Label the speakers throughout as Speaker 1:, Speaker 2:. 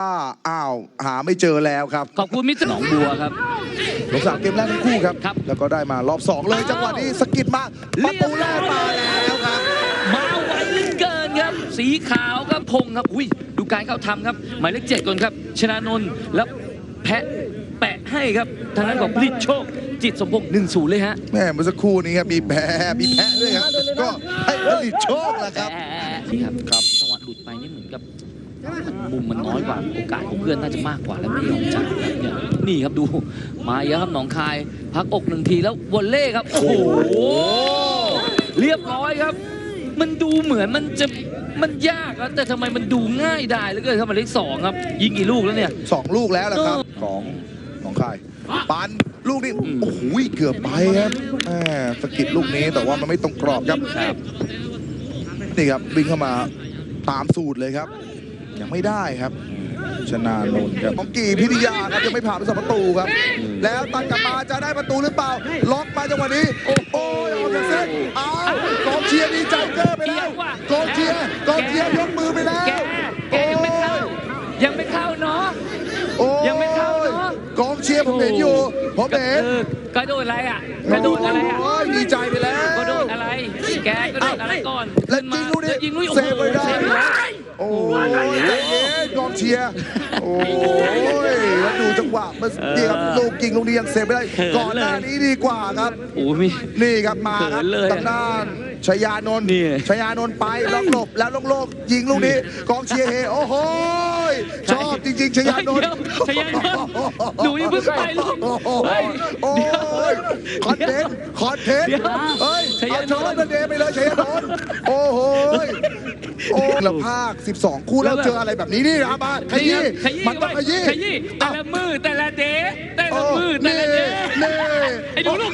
Speaker 1: อ้าวหาไม่เจอแล้วครับ
Speaker 2: ขอบคุณมิตรหนองบัวครับ
Speaker 1: ลงสนามเกมแรกทั้งคู่ครับแล้วก็ได้มารอบ2เลยจังหวะนี้สกิดมาประตูแรกมาแล้วครับ
Speaker 2: มาไวเหลือเกินครับสีขาวครับพงครับอุ้ยดูการเข้าทำครับหมายเลข7ก่อนครับชนานนท์แล้วแปะให้ครับทางนั้นของผลิตโชคจิตสมพงษ์1-0เลยฮะ
Speaker 1: แม่เมื่อสักครู่นี้ครับมีแพะด้วยครับก็ให้ผลิตโชคแหละครับ
Speaker 2: นี่ครับจังหวะหลุดไปนี่เหมือนกับมุมมันน้อยกว่าโอกาสของเพื่อนน่าจะมากกว่าแล้วไม่ยอมจ่ายครับเนี่ยนี่ครับดูมาเยอะครับหนองคายพักอก1ทีแล้ววอลเล่ครับโอ้โหเรียบร้อยครับมันดูเหมือนมันยากครับแต่ทำไมมันดูง่ายได้เหลือเกินครับหมายเลข2ครับยิงกี่ลูกแล้วเนี่ย
Speaker 1: 2ลูกแล้วแหละครับของหนองคายปันลูกนี้โอ้โหเกือบไปครับสกิดลูกนี้แต่ว่ามันไม่ตรงกรอบครับนี่ครับวิ่งเข้ามาตามสูตรเลยครับยังไม่ได้ครับชนานนท์ครับของกีพิทยาครับยังไม่ผ่านไป2ประตูครับแล้วตัดกลับมาจะได้ประตูหรือเปล่าล็อกมาจังหวะนี้โอ้โหออกจากเส้นอ้าวกองเชียร์ดีใจเกอร์ไปแล้วกองเชียร์ยกมือไปแล้ว
Speaker 2: แกยังไม่เข้าเนาะยังไม่เข้าเนาะ
Speaker 1: กองเชียร์ผมเห็นอยู่ผมเห็น
Speaker 2: กระโดดอะไรอ่ะกระโดดอะไรอ่ะ
Speaker 1: ดีใจไปแล้ว
Speaker 2: กระโดดอะไรแกกระโดดอะไรก่อน
Speaker 1: แล้วยิงลูกนี้เซฟไปได้โอ้ยใจเย็นกองเชียร์โอ้ยแล้วดูจังหวะเมื่อกี้ครับลูกยิงลูกนี้ยังเซฟไม่ได้ก่อนหน้านี้ดีกว่าครับนี่ครับมาครับทางด้านชยานนท์ไปล็อกหลบแล้วโล่งยิงลูกนี้กองเชียร์เฮโอ้โหชอบจริงๆชยานนท์
Speaker 2: หนูยังเพิ่งไปลูก
Speaker 1: โอ้ยคอนเทนต์เฮ้ยเอาชนะเดย์ไปเลยชยานนท์โอ้โหแล้วภาค12คู่แล้วเจออะไรแบบนี้นี่นะมาขยี้มันต้องขยี้
Speaker 2: แต่ละมือแต่ละเดย์แต่ละมือแต่ละเดย์ไอ้หนูลูก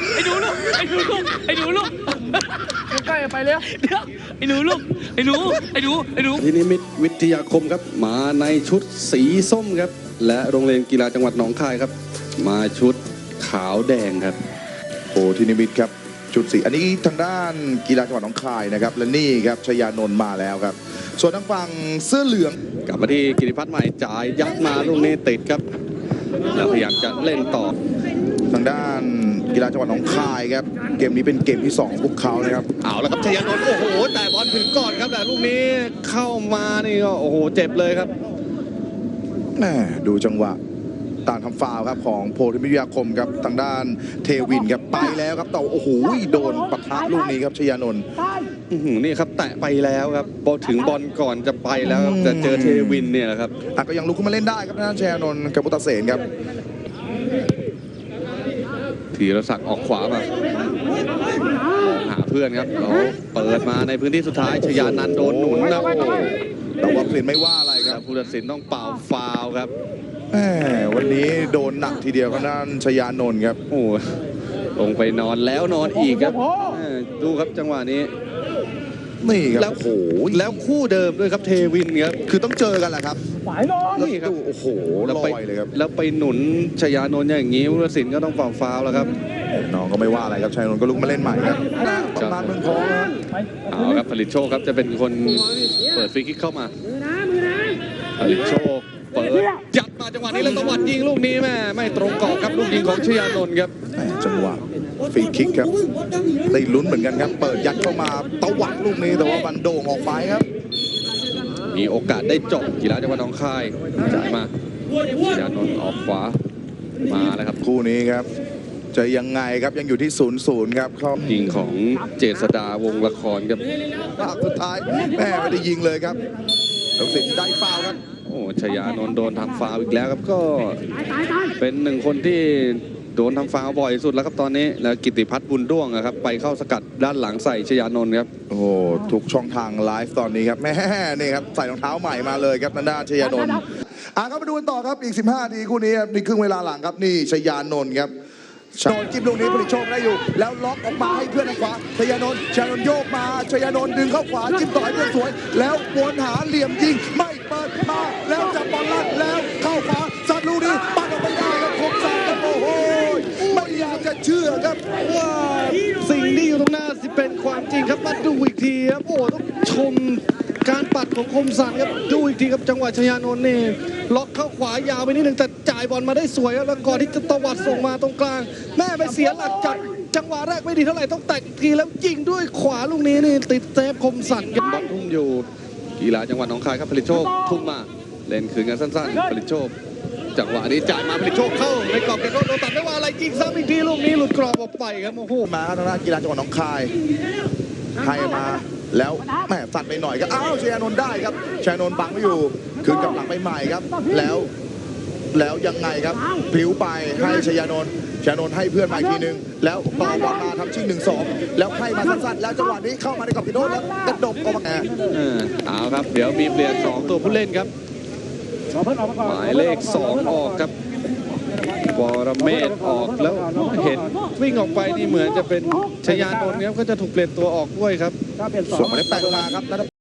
Speaker 2: ใกล้ไปแล้วเดี๋ยวไอ้หนูลูกไอ้หนู
Speaker 3: ที่นิมิตวิทยาคมครับมาในชุดสีส้มครับและโรงเรียนกีฬาจังหวัดหนองคายครับมาชุดขาวแดงครับ
Speaker 1: โอ้ที่นิมิตครับชุดสีอันนี้ทางด้านกีฬาจังหวัดหนองคายนะครับและนี่ครับชยานนท์มาแล้วครับส่วนทางฝั่งเสื้อเหลือง
Speaker 3: กลับมาที่กิติพัฒน์ใหม่จ่ายยัดมาลูกนี้ติดครับแล้วพยายามจะเล่นต่อ
Speaker 1: ทางด้านกีฬาจังหวัดหนองคายครับเกมนี้เป็นเกมที่2ของพวกเขานะครับ
Speaker 3: เอาแล้วครับชยานนท์โอ้โหแต่บอลถึงก่อนครับแต่ลูกนี้เข้ามานี่ก็โอ้โหเจ็บเลยครับ
Speaker 1: ดูจังหวะต่างทำฟาวครับของโพธิวิทยาคมครับทางด้านเทวินครับไปแล้วครับแต่โอ้โหโดนปะทะลูกนี้ครับชยานนท์
Speaker 3: นี่ครับแตะไปแล้วครับพอถึงบอลก่อนจะไปแล้วจะเจอเทวินเนี่ยแหละครับ
Speaker 1: ก็ยังลุกขึ้นมาเล่นได้ครับทางด้านชยานนท์กับพุทธเสนครับ
Speaker 3: ธีรศักดิ์ออกขวามาหาเพื่อนครับเราเปิดมาในพื้นที่สุดท้ายชยานันท์โดนหนุนนะ
Speaker 1: แต่ว่าผู้ตัดสินไม่ว่าอะไรครับ
Speaker 3: ผู้ตัดสินต้องเป่าฟาวครับ
Speaker 1: วันนี้โดนหนักทีเดียวครับด้านชยานนท์ครับ
Speaker 3: โอ้ลงไปนอนแล้วนอนอีกครับดูครับจังหวะนี้
Speaker 1: นี่ครับแล้วโอ้โห
Speaker 3: แล้วคู่เดิมด้วยครับเทวินครับ
Speaker 1: คือต้องเจอกันแหละครับ
Speaker 3: ฝ่ายนอน
Speaker 1: นี่ครับโอ้โหลอยเลยครับ
Speaker 3: แล้วไปหนุนชยานนท์อย่างนี้ผู้ตัดสินก็ต้องเป่าฟาวแล้วครับ
Speaker 1: น้องก็ไม่ว่าอะไรครับชยานนท์ก็ลุกมาเล่นใหม่ครับตำนานเมืองทองครับ
Speaker 3: เอาครับผลิตโชคครับจะเป็นคนเปิดฟรีคิกเข้ามาผลิตโชคเปิดยัดมาจังหวะนี้แล้วตะวัดยิงลูกนี้แม่ไม่ตรงกรอบครับลูกยิงของชยานนท์ครับ
Speaker 1: จังหวะฟรีคิกครับได้ลุ้นเหมือนกันครับเปิดยัดเข้ามาตะวัดลูกนี้แต่ว่ามันโด่งออกไปครับ
Speaker 3: มีโอกาสได้จบกีฬาจังหวัดหนองคายจ่ายมาชยานนท์ออกขวามาแล้วครับ
Speaker 1: คู่นี้ครับจะยังไงครับยังอยู่ที่0-0ครับเข้า
Speaker 3: ยิงของเจษฎาวงละครครับ
Speaker 1: สุดท้ายแม่ไม่ได้ยิงเลยครับแล้วสิได้ฟาวครับ
Speaker 3: โอ้ชยานนท์โดนทำฟาวอีกแล้วครับก็เป็นหนึ่งคนที่โดนทำฟาวบ่อยสุดแล้วครับตอนนี้แล้วกิติพัฒน์บุญด้วงครับไปเข้าสกัดด้านหลังใส่ชยานนท์ครับ
Speaker 1: โอ้ทุกช่องทางไลฟ์ตอนนี้ครับแม่นี่ครับใส่รองเท้าใหม่มาเลยครับทางด้านชยานนท์ครับมาดูกันต่อครับอีก15 นาทีคู่นี้ในครึ่งเวลาหลังครับนี่ชยานนท์ครับโดนจิ้มลูกนี้ผลิตโชคได้อยู่แล้วล็อกออกมาให้เพื่อนทางขวาชยานนท์โยกมาชยานนท์ดึงเข้าขวาจิ้มต่อให้เพื่อนสวยแล้ววนหาเหลี่ยมยิงไม่เปิดมาแล้วจับบอลลั่นแล้วเข้าขวาซัดลูกนี้ปัดออกไปได้ครับคมสันโอ้โหไม่อยากจะเชื่อครับ
Speaker 3: ว่าสิ่งที่อยู่ตรงหน้าสิเป็นความจริงครับมาดูอีกทีครับโอ้ต้องชมการปัดของคมสันครับดูอีกทีครับจังหวะชยานนท์นี่ล็อกเข้าขวายาวไปนิดนึงแต่จ่ายบอลมาได้สวยครับแล้วก่อนที่จะตวัดส่งมาตรงกลาง แม่ไปเสียหลักจัดจังหวะแรกไม่ดีเท่าไหร่ต้องแตะอีกทีแล้วยิงด้วยขวาลูกนี้นี่ติดเซฟคมสันบอลทุ่งอยู่กีฬาจังหวัดหนองคายครับผลิตโชคทุ่มมาเล่นคืนกันสั้นๆผลิตโชคจังหวะนี้จ่ายมาผลิตโชคเข้าในกรอบแกโดนตัดไม่ว่าอะไรยิงซ้ำอีกทีลูกนี้หลุดกรอบออกไปครับโอ้โห
Speaker 1: มาทางด้านกีฬาจังหวัดหนองคายให้มาแล้วแหมสั่นไปหน่อยก็อ้าวชัยนนท์ได้ครับชัยนนท์บังไม่อยู่คืนกลับหลังไปใหม่ครับแล้วยังไงครับพลิ้วไปให้ชัยนนท์ให้เพื่อนมาอีกทีนึงแล้วต่อบอลมาทำชิง1-2แล้วให้มาสั้นๆแล้วจังหวะนี้เข้ามาในกรอบกิโดนแล้วกระดกออกมา
Speaker 3: เอาครับเดี๋ยวมีเปลี่ยน2ตัวผู้เล่นครับหมายเลข2ออกครับวรเมธออกแล้วเห็นวิ่งออกไปนี่เหมือนจะเป็นชยานนท์ครับก็จะถูกเปลี่ยนตัวออกด้วยครับ
Speaker 1: ส่งมาได้แปลกมาครับ